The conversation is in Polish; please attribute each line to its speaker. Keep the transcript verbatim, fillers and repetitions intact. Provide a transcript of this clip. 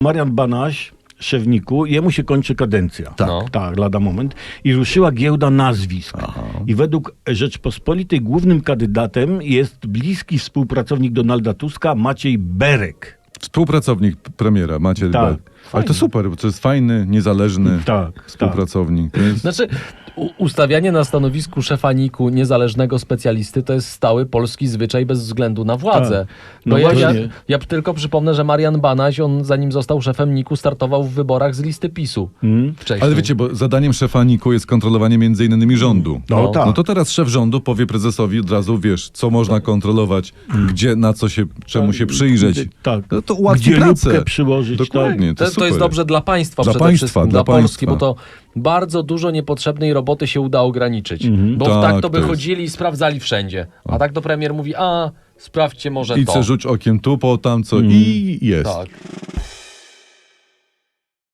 Speaker 1: Marian Banaś, szef niku, jemu się kończy kadencja.
Speaker 2: Tak. No.
Speaker 1: Tak, lada moment. I ruszyła giełda nazwisk. Aha. I według Rzeczpospolitej głównym kandydatem jest bliski współpracownik Donalda Tuska, Maciej Berek.
Speaker 2: Współpracownik premiera, Maciej
Speaker 1: Tak.
Speaker 2: Berek. Ale to super, bo to jest fajny, niezależny
Speaker 1: Tak,
Speaker 2: współpracownik. To jest...
Speaker 3: Znaczy, u- ustawianie na stanowisku szefa niku niezależnego specjalisty to jest stały polski zwyczaj bez względu na władzę.
Speaker 1: Tak. No
Speaker 3: Bo ja, ja,
Speaker 1: właśnie.
Speaker 3: ja tylko przypomnę, że Marian Banaś, on zanim został szefem niku, startował w wyborach z listy PiSu.
Speaker 1: Hmm?
Speaker 3: Wcześniej.
Speaker 2: Ale wiecie, bo zadaniem szefa niku jest kontrolowanie między innymi rządu.
Speaker 1: No,
Speaker 3: No.
Speaker 1: tak.
Speaker 2: No to teraz szef rządu powie prezesowi od razu, wiesz, co można kontrolować, gdzie, na co się, czemu się przyjrzeć.
Speaker 1: Tak.
Speaker 2: No to ułatwi
Speaker 1: Gdzie
Speaker 2: pracę.
Speaker 1: lupkę przyłożyć.
Speaker 2: Dokładnie,
Speaker 1: Tak.
Speaker 2: to,
Speaker 3: To, to jest
Speaker 2: super.
Speaker 3: dobrze dla państwa
Speaker 2: Dla
Speaker 3: przede
Speaker 2: państwa,
Speaker 3: wszystkim,
Speaker 2: dla
Speaker 3: dla Polski,
Speaker 2: państwa.
Speaker 3: bo to bardzo dużo niepotrzebnej roboty się uda ograniczyć. Bo
Speaker 2: Tak,
Speaker 3: tak to by
Speaker 2: to jest.
Speaker 3: chodzili i sprawdzali wszędzie. A tak to premier mówi, a sprawdźcie może
Speaker 2: I
Speaker 3: to.
Speaker 2: co, rzuć okiem tu, po tam, co i jest.
Speaker 3: Tak.